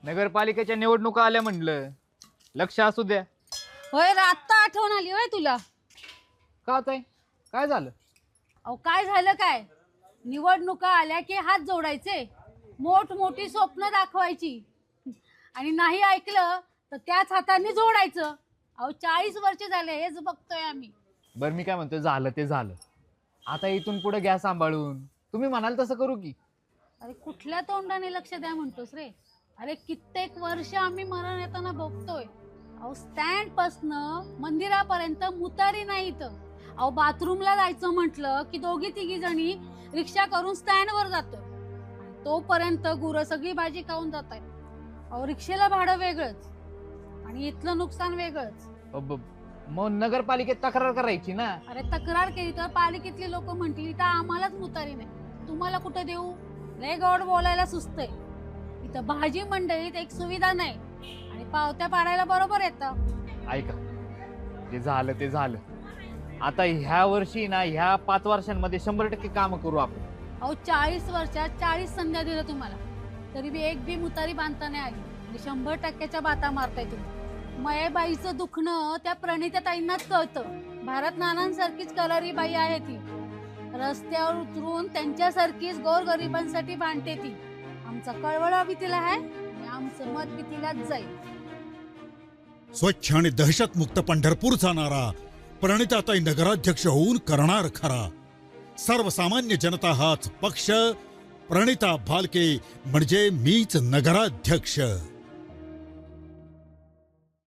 नगरपालिकेच्या निवडणुका आल्या म्हणलं, लक्ष असू द्या. होय रे, आत्ता आठवण आली होय तुला? का ताई, काय झालं? अहो काय झालं काय, निवडणुका आल्या की हात जोडायचे, मोठी स्वप्न दाखवायची आणि नाही ऐकलं तर त्याच हाताने जोडायचं. अहो 40 वर्ष झाले हेच बघतोय आम्ही. बरं मी काय म्हणतोय, झालं ते झालं. आता इथून पुढे घ्या सांभाळून, तुम्ही म्हणाल तसं करू की. अरे कुठल्या तोंडाने लक्ष द्या म्हणतोस रे? अरे कित्येक वर्ष आम्ही मरण येताना बघतोय. अहो स्टँड पासनं मंदिरापर्यंत मुतारी नाही इथं. अहो बाथरूमला जायचं म्हटलं की दोघी तिघी जणी रिक्षा करून स्टँडवर जातोय. तोपर्यंत गुरं सगळी भाजी खाऊन जात आहेत. अहो रिक्षेला भाडं वेगळंच आणि इथलं नुकसान वेगळंच. मग नगरपालिकेत तक्रार करायची ना. अरे तक्रार केली तर पालिकेतली लोक म्हणतील तर आम्हालाच मुतारी नाही, तुम्हाला कुठं देऊ? लय गॉड बोलायला सुचतंय. इथं भाजी मंडईत एक सुविधा नाही आणि पावत्या पाडायला बरोबर येतं. ऐका, जे झालं ते झालं. आता ह्या वर्षी ना, ह्या 5 वर्षांमध्ये 100% काम करू आपण. अहो 40 वर्षात 40 संध्या दिलं तुम्हाला, तरी बी एक बी मुतारी बांधता नाही आली आणि 100%च्या बाता मारताय तुम्ही. मयेबाईचं दुखणं त्या प्रणिताताईंनाच कळतं. भारत नानांसारखीच कलारी बाई आहे ती. रस्त्यावर उतरून त्यांच्यासारखीच गोरगरिबांसाठी भांडते ती. आमचा कळवळा बी तिला आहे आणि आमचं मत बी तिलाच जाईल. स्वच्छ आणि दहशतमुक्त पंढरपूरचा नारा प्रणिताताई नगराध्यक्ष होऊन करणार खरा. सर्वसामान्य जनता हाच पक्ष. प्रणिता भालके म्हणजे मीच नगराध्यक्ष.